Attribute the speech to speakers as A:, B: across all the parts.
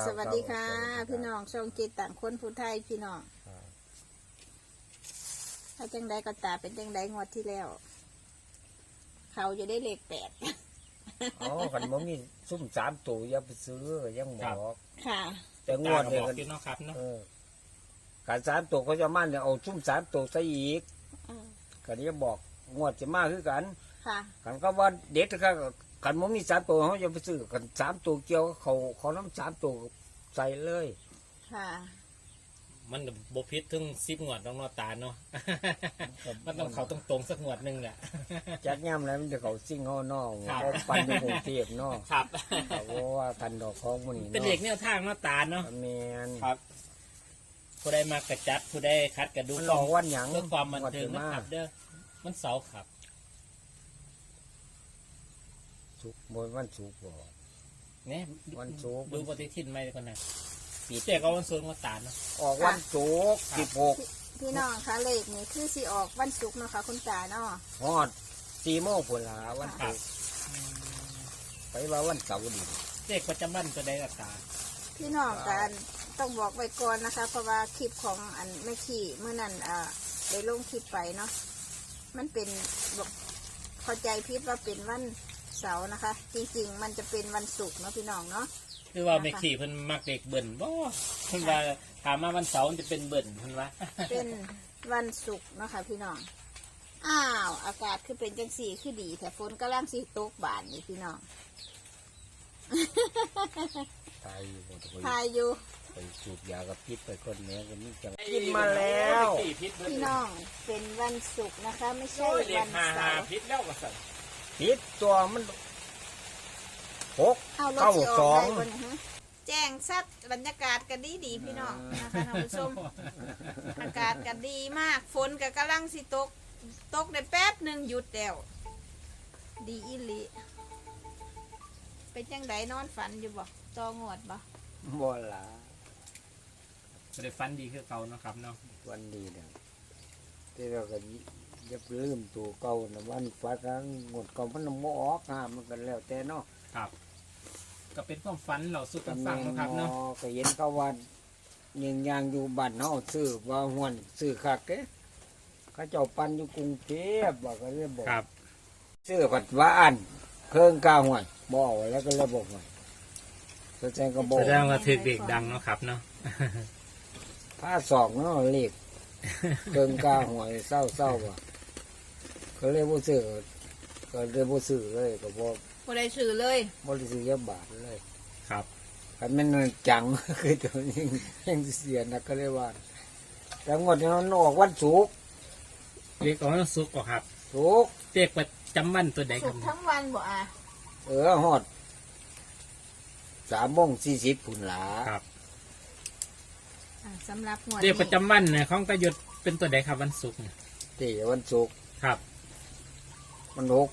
A: สวัสดีค่ะพี่น้องช่องจิตต่างคนผู้ไทยพี่น้องถ้าจังใดก็ตาเป็นจังใดงวดที่แล้วเขาจะได้เลข8
B: อ๋อขันบ่มีซุ่ม3ตัวอย่าไปซื้อยังบอก
A: ค่ะ
B: แต่งวดเนี่ย
C: พี่น้องครับเนาะ
B: การ3ตัวเขาจะมั่นเนี่ยเอาซุ่ม3ตัวใส่อีกกันนี้บอกงวดจะมาคือกัน
A: ค่ะ
B: กันก็ว่าเด็ดก็ขันบ่มี3ตัวเขาจะไปซื้อกัน3ตัวเกี่ยวเขาน้ำ3ตัวใส่เลย
A: ค่ะ
C: มันบพิษถึง10 งวดน้องนอตาเนาะมันต้องเขาตรงสักงวดนึงแหละ
B: จัดย่ำแล้วมันจะเขาซิ่งเขานอกเขาปั่นในกรุงเทพนอก
C: ครับ
B: เพราะว่ากันดอกของมันนี่
C: เป็นเด็กแนวทางนอตาเนาะ
B: แมน
C: ครับผู้ใดมากระจัดผู้ใดคัดกระดูก
B: มันรอวันหยัง
C: เพื่อความบันเทิงนะครับเด้อมันเสาร์ครับ
B: สุกบนวันสุกบ่
C: เนี่ย
B: วันสุก
C: ดูปฏิทินไหมก่อนนะปีเจ๊ก็วันศุกร์นอตาเนาะ
B: ออกวันศุกร์16
A: พี่น้องคะเลขนี่คือสิออกวันศุกร์เนาะค่ะคุณตาเนาะ
B: ฮอด4 โมงพุ่นล่ะวันศุกร์ไปว่าวันเสาร์นี่
C: เจ๊ประจำวันตัวใดนอตา
A: พี่น้องกันต้องบอกไว้ก่อนนะคะเพราะว่าคลิปของอันแม่ขี่เมื่อนั้นได้ลงคลิปไปเนาะมันเป็นบอกเข้าใจพิดว่าเป็นวันเสาร์นะคะ จริงๆมันจะเป็นวันศุกร์เนาะพี่น้องเนาะ
C: คือว่าแม่ขี่เพิ่นมักเด็กเบิ่นบ่เพิ่นว่าถามมาวันเสาร์จะเป็นเบิ่นเพิ่นว่า
A: เป็นวันศุกร์เนาะค่ะพี่น้องอ้าวอากาศคือเป็นจังสีคือดีแต่ฝนกำลังสีตกบานนี่พี่น้องทายอยู่
B: ไปสูบยากับพิษไปคนนี้ก็มีจังกินมาแล้ว
A: พี่น้องเป็นวันศุกร์นะคะไม่ใช่วันเสาร์
C: พิษแล้วก็สั่น
B: พิษตัวมัน
A: แจ้งซัดบรรยากาศกันดีพี่น้องนะคะท่านผู้ชมอากาศกันดีมากฝนก็กำลังสิตกได้แป๊บหนึ่งหยุดแล้วดีอิลิเป็นจังไดนอนฝันอยู่บ่ตองวดบ่
B: ล่ะ
C: ได้ฝันดีคือเก่าเนาะครับเนาะ
B: วันดีเนี่ยที่เราก็จะลืมตัวเก่านะวันฝันครั้งงดเก่ามันบ่ออกมันกันแล้วแต่เนาะ
C: ครับก็เป็นความฝันเราสุดกันฟังนะครับเนาะ
B: ก็เห็นเขาว่ายังอยู่บ้านเฮาซื้อว่าห้วนซื้อคักเด้เขาเจ้าปันอยู่กรุงเทพว่าก็เลยบอก
C: ครับ
B: ซื้อผัดว่าอันเพิ่งกาห้วยบ่เอาแล้วก็เลยบอกว่าแสดงก็บอก
C: แสดงว่าถือเด็กดังเนาะครับเนาะ
B: ผ้าศอกเนาะเลขเพิ่งกาห้วยเศร้าว่ะก็เลยบ่ซื้อก็เลยบ่ซื้อเลยก็บ่
A: ได้ซื้อเลย
B: บ่ได้ซื้อยาบาทเลย
C: ครับ
B: คันแม่นจังคือตัวนี้ยังเสียนะก็เลยว่าแต่งวดนี้มันออกวันศุกร์
C: เรียกว่าศุกร์ครับ
B: ศุกร์
C: เรียกประจำวันตัวใดครับ
A: ทั้งวันบ่
B: ฮอด3:40พุ่นล่ะ
C: ครับ
A: สำหรับงวด
C: เรียกประจำวันเนี่ยของประยุทธ์เป็นตัวใดครับวันศุกร์เนี่ย
B: วันศุกร์
C: ครับ
B: มัน6992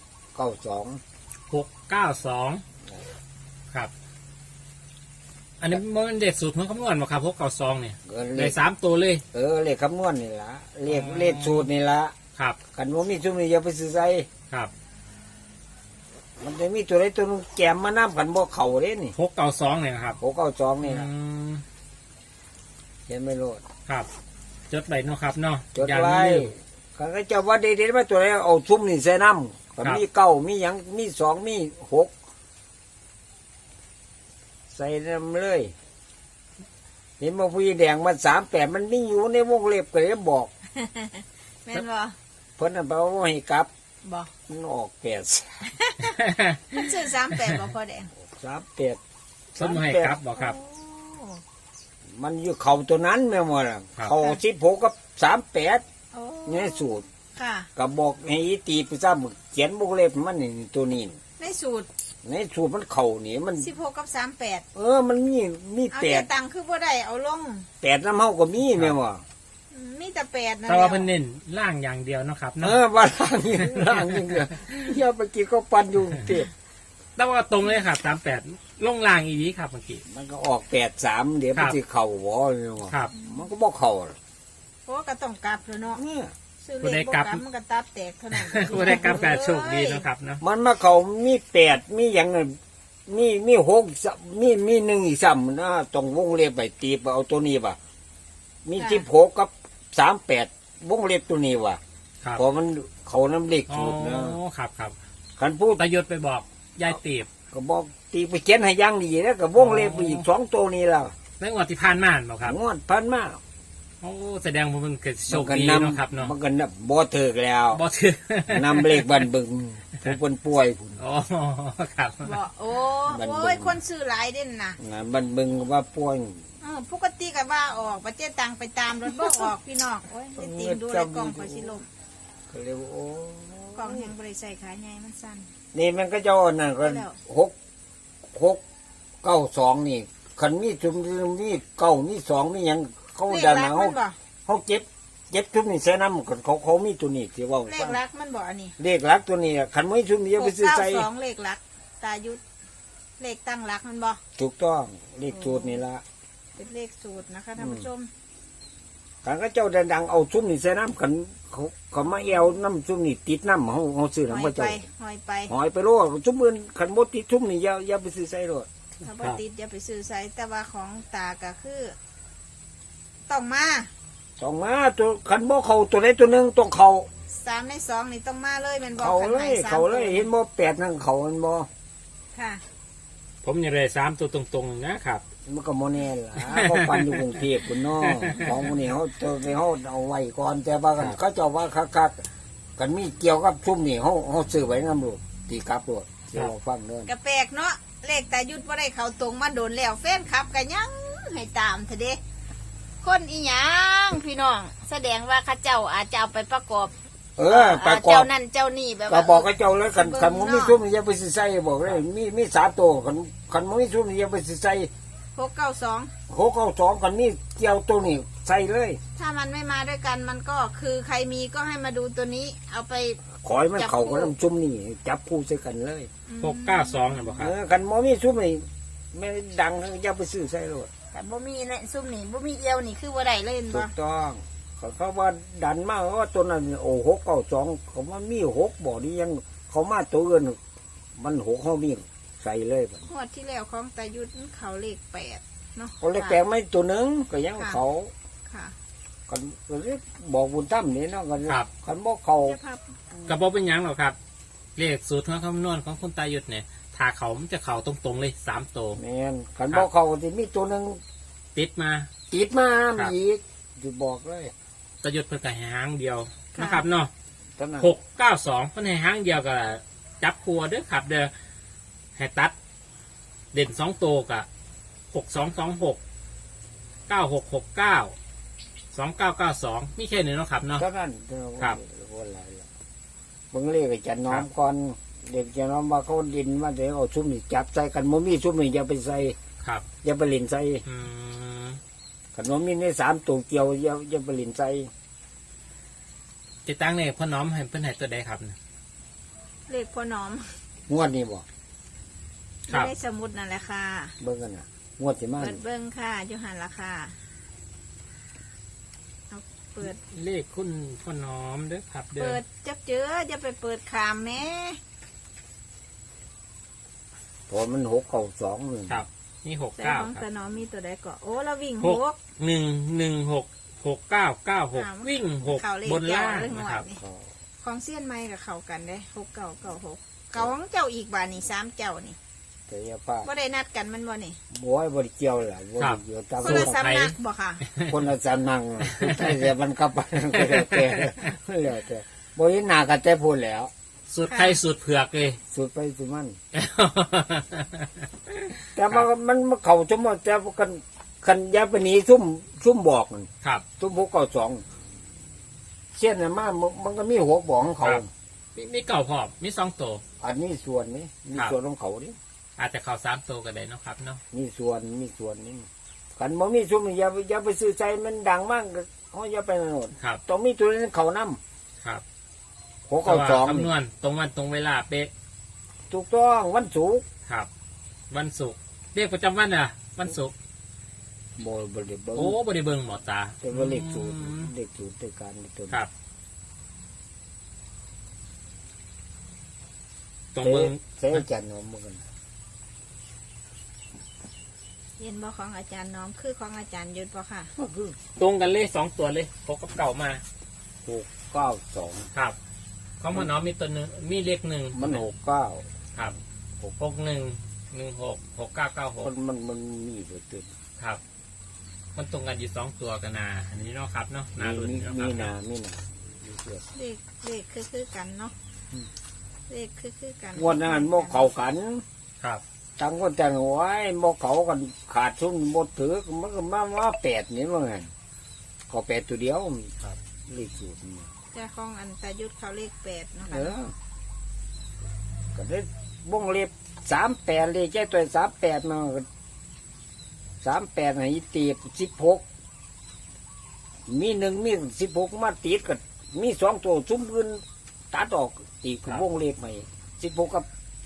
C: ครับอันนี้มันเด็กสูตรมันคำนวณมาครับ692เนี่ยได้3ตัวเลย
B: เลขคำนวณนี่ละเลขสูตรนี่ละ
C: ครับ
B: กันว่ามีชุดนี้อย่าไปซื้อใส่
C: ครับ
B: มันจะมีตัวใดตัวนึงแกมมาน้ำกันบ่เข่าเด้นี่
C: 692เนี่ยครับ
B: 692นี่ละเห็นไม่รู้
C: ครับจดไว้เนาะครับเนาะ
B: จดไว้กันก็จะว่าเด็ดๆมาตัวไหนเอาทุ่มนี่ใส่น้ำก็มี9มีหยังมี2มี6ใส่น้ำเลยเห็นว่าผู้แดงมัน38มันมีอยู่ในวงเล็บก็เลยบอก
A: แม่นบ่
B: เพิ่นน่ะบอกว่าให้กลับ
A: บ่
B: มันออก8
A: มันซื้อ38บ่พอแดง
B: 38
C: สมให้กลับบ่ครับ
B: มันอยู่เข่าตัวนั้นแม่หมดล่ะเข่า16กับ38นี่สูตร
A: ค่ะ
B: ก็บอกให้ตีไปซ้ำเขียนวงเล็บมันนี่ตัวนี้
A: ในสูตร
B: มันเข่านี่มัน
A: 16กับ38
B: มันมี
A: 8เอาตังค์คือบ่ได้เอาลง
B: 8น้ำเฮาก็มีแม่ว่า
A: มีแต่8นะ
C: แต่ว่าเพิ่นเน้นล่างอย่างเดียวเนาะครับ
B: ว่าล่างอย่างเดียวเฮียเมื่อกี้ก็ปั่นอยู่เต็ม
C: แต่ว่าตรงเลยครับ38ลงล่างอีนี้ครับเมื่อกี้
B: มันก็ออก83เดี๋ยวมันสิเข้าบ่แม่ว่ามันก็บ่เข้า
A: เพราะก็ต้องกลับเนาะ
C: ผู้ได้กลับ
A: มันก็ตับแตกเท่านั้น
C: ผู้ได้กลับแต่โชคดีนะครับเนาะ
B: มันมาเขามี8มีอย่างนั้นมีหกมีหนึ่งอีกซ้ำนะต้องวงเล็บไปตีไปเอาตัวนี้ว่ะมี16กับ38วงเล็บตัวนี้ว่ะ
C: ครับ
B: เพอมันเขาน้ำเล็ก
C: อ๋อ
B: สูตรนะ
C: ครับ
B: คันพูด
C: ตายศไปบอกยายตีบ
B: ก็บอกตีไปเขียนให้อยังดีแล้วก็วงเล็บไปอีก2ตัวนี้แล้ว
C: ในงวดที่ผ่านมาบ่ครับ
B: งวดพันมา
C: โอ้แสดงว่ามันเกิดโชค
B: ก็
C: ดี
B: น
C: เนาะครับเนาะ
B: มันก็นับบ่เถิกแล้ว
C: บ่ถือน
B: ำเลขบันบึงผู้เป็นป่วยพุ่น
C: อ๋อครับ
A: บอกโอ้
B: มัน
A: โอ้ยคนซื้อหลายเด่นนะ
B: งานบันบึงว่าป่วย
A: ปกติก็ว่าออกประเจ๊ตังไปตามรถบ่ออกพี่น้องโอ้ยจะติงดูเลยกล่องไปสิลม
B: ก็เลยว่าโอ้
A: กล่องยังบริใส่ขาใหญ่มันสั้น
B: นี่มันก็เจ้านั่นก็
A: แล้ว
B: 6 9 2นี่คันมีจุ่มมีเก้ามีสองมีหยังเขา
A: เลข
B: ดัน
A: รัก
B: เขา
A: มันบ่
B: เขาเจ็บจุ่มนี่ใส่น้ำกันเขามีตัวนี้ที่ว่า
A: เลขรักมันบ่อันนี้
B: เลขหลักตัวนี้คันไม่จุ่มนี่จะไปซื้อใส่
A: 692เลขรักตายุทธเลขตั้งรักมันบ่
B: ถูกต้องเลขสูตรนี่ละ
A: เป็นเลขสูตรนะคะท่านผู้ชม
B: คันก็เจ้าดังๆเอาจุ่มนี่ใส่น้ำกันเขามาเอวน้ำจุ่มนี่ติดน้ำเขาซื้อ
A: หอ
B: น้ำ
A: ย
B: พระ
A: ไป
B: เจ้า
A: หอยไป
B: หอยไปโลดจุ่มมือขันบดติดจุ่มนี่อย่าไปซื้อใส่โลด
A: ถ้าบ่ติดอย่าไปซื้อใส่แต่ว่าของตาก็คือ ต้องมา
B: ต้องมาตัวขันบ่เขาตัวใดตัวหนึ่งต้องเขา
A: 3ใน2นี่ต้องมาเลยแม่นบ่
B: เขา
A: ขัน
B: เล
A: ให้
B: ย
A: สาม
B: เขาเลยเห็นบ่8นั่งเขามันบ่
A: ค่ะ
C: ผมยังได้3ตัวตรงๆนะครับ
B: มันก็บ่แน่ล่ะเขาปันอยู่กรุงเทพพุ่นเนาะของพวกนี้เขาจะไปเขาเอาไว้ก่อนแต่ว่ากันเขาเจ้าว่าคักๆกันมีเกี่ยวกับชุ่มนี่เขาซื้อไว้นำโลดตีกลับโลดเดี๋ยวเราฟังเด้อ
A: กระแปลกเนาะเลขตายุทธว่าได้เขาตรงมาโดนแล้วแฟนคลับกันยังให้ตามเถอะเด้คนอีหยังพี่น้อง แสดงว่าเข้าเจ้าอาจจะเอาไปประกอบ
B: ประกอ
A: เจ้า
B: บ
A: นั่นเจ้านี่แบบ
B: ก็
A: ว่า
B: บอกกับเจ้าแล้วกันคันมันมีชุ่มนี่อย่าไปซื้อใส่บอกเลยมี3ตัวคันมันมีชุ่มนี่อย่าไปซื้อใส่
A: 692
B: 692คันมีเกี่ยวตัวนี้ใส่เลย
A: ถ้ามันไม่มาด้วยกันมันก็คือใครมีก็ให้มาดูตัวนี้ เอาไป
B: ขอให้มันเข้ากับน้ำชุ่มนี่จับคู่ใส่กันเลย
C: 692นะบ่ครับ
B: กันบ่มีชุ่มนี่ไม่ดังอย่าไปซื้อใส่โลด
A: แต่บ่มีเนี่ยซุ่มนี่บ่มีเอียวนี่คือบ่ได้เล่น
B: ถู
A: บ่
B: กต้องเขาว่าดันมากว่าตัวนั้นโอ้692เขาว่ามี6บ่นี่ยังเขามาตัวอื่นมัน6เขามีใส่เลยบัด
A: งวดที่แล้วของตายุทธมันเขาเลข8เนาะ
B: เขาเลยแปลงไม่ตัวหนึงก็ยังเขา
A: ค่ะ
B: กันก็เลยบอกบุญตั้มนี่เนาะกัน
C: ครับ
B: กันบอกเขา
A: เจ้าภาพ
C: กระบอกเป็นหยังหรอกครับ เลขสูตรของคำนวณของคุณตายุทธเนี่ยถ้าเขามันจะเข่าตรงๆเลย3ตัว
B: แม่นกันบอกเขาที่มีตัวหนึง
C: ติดมา
B: ติดมา
C: ครับ
B: อีกจะบอกเลย
C: ตายุทธเพิ่นก็ให้หางเดียวนะครับเนาะ
B: เท่านั้น
C: 692เพิ่นให้หางเดียวก็จับครัวเด้อครับ เด้อให้ตัด เด่น2ตัวกับ6226 9669 2992มีแค่นี้เนาะครับเนาะ
B: เท่านั้น
C: ครับ
B: วันไรล่ะเบิ่งเลขให้จันน้อมก่อนเด็กจันน้อมว่าเขาดินมาเดี๋ยวเอาชุ่มนี่จับใส่กันบ่มีชุ่มนี่อย่าไปใส่
C: ครับ
B: อย่าไปเล่นใส่
C: อืม
B: กันบ่มีใน3ตัวเกี่ยวอย่าไปเล่นใส่
C: ติดตั้งเนี่ยพ่อน้อมให้เพิ่นให้ตัวใดครับ
A: เลขพ่อหนอม
B: งวดนี้บ่
C: ครับ
A: ไม่ได้สมุดนั่นแหละค่ะ
B: เบิ่งกันน่ะงวดสิมา
A: เปิดเบิ้งค่ะอยู่หันละค่ะเอาเปิด
C: เลขคุณพ่อน้อมเด้อครับ เด้
A: เปิ
C: อ
A: ดจักเจอจะไปเปิดขามแม่
B: พอมัน692นึง
C: ครับนี่
A: แต่
C: 69
A: ของ
C: ค
A: ตา
C: รับ
A: หนอมมีตัวใดก็โอ้เราวิ่ง
C: ห
A: ห
C: ก
A: ก
C: 1166996วิ่ง
A: เขาเลข
C: 6บนล่าง
A: เจ้าเรื่องหน่
C: นะ
A: อย
C: ครับ
A: นี่ของเสี้ยนไม้กับเขากันเด้6996เก่าของเจ้าอีกบ่านี่3เจ้านี่
B: แต่อย่าพลาด
A: บ่ได้นัดกันมันบ่นี่
B: บ่ให้บ่ได้เกี่ยวล่ะบ่ได้เกี่ยวตาม
A: คนละ
C: สูตร
A: สำนักบ่ค่ะ
B: คนละสำนักน่ะใช่แต่มันกลับไปก็แล้วแต่แล้วแต่บ่เห็นหน้ากันแต่พูดแล้ว
C: สูตรไทยสูตรเผือกเลย
B: สุดไปสุดมัน แต่มันเข้าสมมุติแต่กันอย่าไปหนีซุ่มบอกมัน
C: ครับ
B: ซุ่ม692เช่นน่ะมามันก็มีหัวบอกของเขา
C: ครับ มีเก่าพร้อมมี2ตัว
B: อันนี้ส่วนนี้มี
C: ครับ
B: ส่วนของเขานี่
C: อาจจะเข้า3ตัวก็ได้เนาะครับเนาะ
B: มีส่วนนี้กันบ่มีซุ่มนี่อย่าไปซื้อใจมันดังมากเขาอย่าไปโน่น
C: ครับ
B: ต้องมีตัวนั้นเขานำ
C: ครับ
B: 692
C: คำนวณตรงวันตรงเวลาเป๊ะ
B: ถูกต้องวันศุกร์
C: ครับ วันศุกร์เรียกประจำวันอ่ะ วันศุกร์
B: บ่ได้เบิ่ง
C: โอ้บริเบิงหมอตา
B: แต่ว่าเลขสูตร
C: อืม
B: เลขสูตรในการในตัว
C: ครับ ตรง
B: เซ่
C: เบิง
B: เซ่จันทร์เนาะมันกัน
A: เห็นบ่ของอาจารย์น้อมคือของอาจารย์ยุทธบ่ค่ะ
B: ก็คือ
C: ตรงกันเลยสองตัวเลยพกกับเก่ามา
B: 692
C: ครับของมันน้องมีตัวหนึ่งมีเลขหนึ่ง
B: มัน69
C: ครับ61166996
B: มันมีเบิดตึ้ง
C: ครับ มันตรงกันอยู่สองตัวกันนะอันนี้เนาะครับเนาะนารุ่น
B: มี
C: เนาะ
B: มี
C: ค
B: นา
C: รับ
B: มีนามีเสือ
A: เลขคือกันเนาะเลขคือกัน
B: วันนั้นบ่เข้ากัน
C: ครับ
B: ตั้งคนแต่งไว้บ่เข้ากันขาดทุนบ่ถือมันก็มา8นี่ว่าไงก็8ตัวเดียว
C: ครับ
B: เลขสูตรนี่
A: แต่ของอันตายุทธเขาเลข8เนาะ
B: เอ
A: ค่ะ
B: อก็ได้บ่งเล็บ38เลยแค่ตัว38มา38ให้ตี16มี1มี16มาติดก็มี2ตัวซุ่มอื่นตัดออกตีคือวงเล็บให้16กับ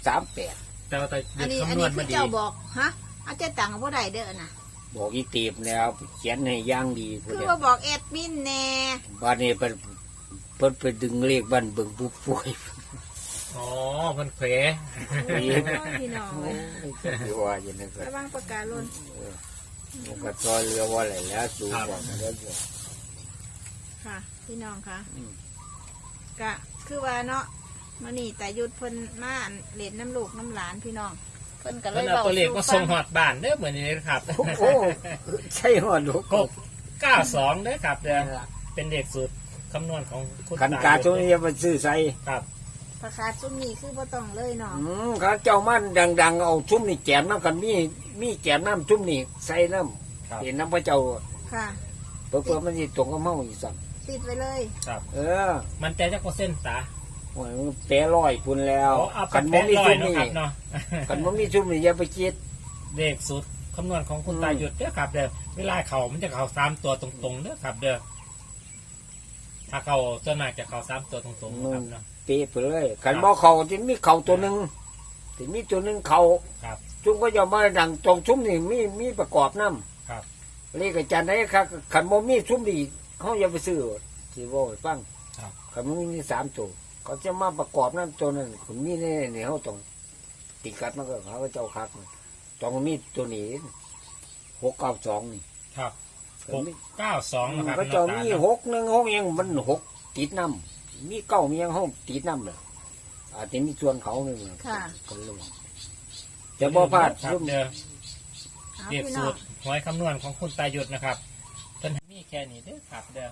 B: 38
C: แต่ว่าแต่
A: อันนี้
C: คำนวณ
A: คื
C: มา
A: อ
C: ดี
A: เจ้าบอกฮะเอาเจ้าตังค์บ่ได้เด้อน่ะ
B: บอกอีตีบแล้วเขียนให้อย่างดีพุ่น
A: คือ
B: เดีย
A: ว่าบอกแอดมินแน่
B: บ้านนี้เพิ่นไปดึงเลขบ้านเบิ่งผู้ป่วย
C: อ๋อมันเขว
A: โอ้ยพี่น้องเลย
B: ที่ว่าอย่างนั้นก็
A: ระวังปากกาหล่น
B: มันก็ซอยเรือว่าอะไรแล้วสูงกว่ามันแล้ว
A: ค่ะ พี่น้องค่ะ
B: อืม
A: กะคือว่าเนาะมื้อนี้ตายุทธเพิ่นมาเล่นน้ำลูกน้ำหลานพี่น้องเพิ่นก็เล
C: มัน
A: ย
C: เอา
A: เว้า
C: ตัวเลขมา
A: สู่
C: ส่งหอดบ้านเด้อเหมือนนี้นะครับ
B: โอ้โหใช่หัวลูก
C: กบ92เด้อครับเด้อเป็นเลขสูตรคำนวณของคุณ
B: ขันกาช่วงนี้จะไปซื้อใส่
C: ครับ
A: ประกาศซุมนี้คือบ่ต้องเลยเนาะ
B: ข้าเจ้ามันดังๆเอาชุ่มนี่แกมน้ำกันมีแกมน้ำชุ่มนี่ใส่น้
C: ครับ
B: ำเห็นน้ำพระเจ้า
A: ค่ะ
B: เพื่อมันจะตรงกับเมาอีกสัก
A: ติดไว้เลย
C: ครับ
B: เออ
C: มันใจจักเปอร์เซ็นต์ตา
B: โอ้ยมันแปรลอยพุ่นแล้ว
C: เอา
B: ขัน
C: ไป
B: มันมี
C: ร้อ
B: ชุ่
C: ย
B: ม
C: เนาะ
B: นี่
C: ครับเนาะ
B: ขันมันมีชุ่มนี่อย่าไปคิด
C: เลขสูตรคำนวณของคุณตาหยุดเด้อครับเด้อเวลาเขามันจะเขา3ตัวตรงๆเด้อครับเด้อถ้าเขาส่วนมากจะเขา3ตัวตรงๆนะครับเนาะ
B: เปะไปเลยขันบ่เขาจะมีเขาตัวหนึ่งที่มีตัวหนึ่งเขา
C: ครับ
B: จุ่มก็จะมาดังตรงชุ่มนี่มีประกอบน้
C: ครับ
B: ำเรียกอาจารย์ได้ครับขันบ่มีชุ่มนี่เขาอย่าไปซื้อที่ว่าให้ฟัง
C: ครับ
B: ขันมันมี3ตัวเขาจะมาประกอบน้ำตัวนั้นคุณมีแน่เนี่ยเขาต้องติดกัดมันก็เขาก็เจ้าคักมันต้องมีตัวนี้692นี่
C: ครับ
B: ขันมี
C: 692นะครับ
B: ก็จะมี616ยังมัน6ติดน้ำมี9มียังห้องติดน้ำเลยอาจจะมีส่วนเขาเนี่ย
A: ค่ะ
B: กันเลยจะบ่พลาด
C: ครับ
B: ซุ่ม
C: เด้อ
A: เอา
C: เรียก
A: พี่น้
C: สู
A: อง
C: ตรหวยคำนวณของคุณตาหยุดนะครับเพิ่นมีแค่นี้เด้อครับเด้อ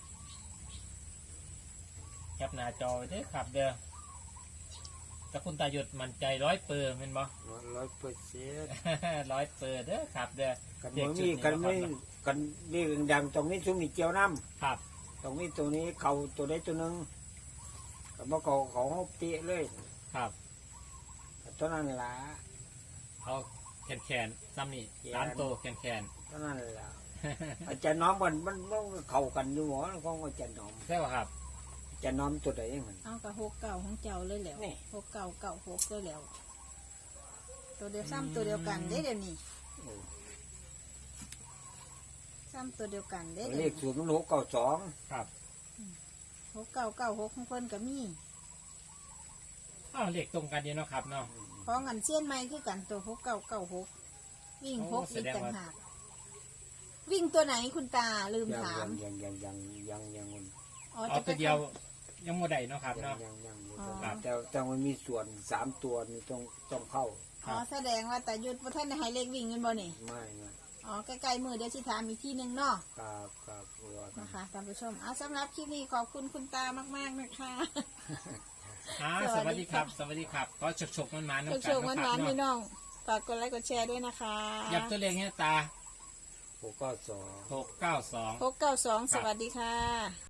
C: แคปหน้าจอไว้เด้อครับเด้อแต่คุณตาหยุดมั่นใจ100%เป็นบ่
B: 100%
C: 100%เด้อครับเด้อ
B: กันบ่มีกันไม่กันนี่ดังตรงนี้ซุ่มนี่เกี่ยวน้
C: ครับ
B: ำตรงนี้ตัวนี้เขาตัวใดตัวหนึงกับบ่เขาเขาเปะเลย
C: ครับ
B: ตัวนั้นล่ะ
C: เอาแขนซ้ำนี่
B: แขน
C: 3 ตัวแขน
B: ตัวนั้นล่ะอาจารย์น้อมมันเข้ากันอยู่หมอของอาจารย์น้อม
C: ใช่ป่ะครับ
B: อาจารย์น้อมตัวใดมัน
A: เอากับ69ของเจ้าเลยแล้ว
B: นี่
A: 6996เลยแล้ว ตัวเดียวซ้ำตัวเดียวกันเด้เดี๋ยวนี้ซ้ำตัวเดียวกันเด้
B: เล
A: เดี๋ยว
B: ข
A: นี้
B: ศูนย์มัน692
C: ครับ
A: 6996ของเพิ่นก็มี
C: อ้าวเลขตรงกันอยู่เนาะครับเนาะ
A: ของอันเสี้ยนไม้คือกันตัว6996วิ่ง
C: โอ้
A: 6
C: แส
A: อีก
C: ดง
A: ต่าง
C: ว่า
A: หากวิ่งตัวไหนคุณตาลืม
B: ยัง
A: ถาม
B: ยัง
A: อ๋อ
C: เอา
A: จะ
C: ตัวเดียวยังบ่ได้เนาะครับเนาะ
B: ยังแต่มันมีส่วน3ตัวนี่ต้องเข้า
A: อ๋อแสดงว่าแต่ยุดว่าท่านให้เลขวิ่งเงินบ่นี่
B: ไม่
A: อ๋อใกล้ๆมือเดี๋ยวสิถามอีกที่หนึ่งเนาะ
B: ครับ
A: นะคะท่านผู้ชมสำหรับคลิปนี้ขอบคุณคุณตามากๆนะคะ
C: สวัสดีครับ สวัสดีครับ ก็ฉกๆมันๆเนาะ
A: โชคๆหวานๆพี่น้องฝากกดไลค์กดแชร์ด้วยนะคะ
C: ยับตัวเลขเนี่ยตา
B: 692
C: 692
A: 692 สวัสดีค่ะ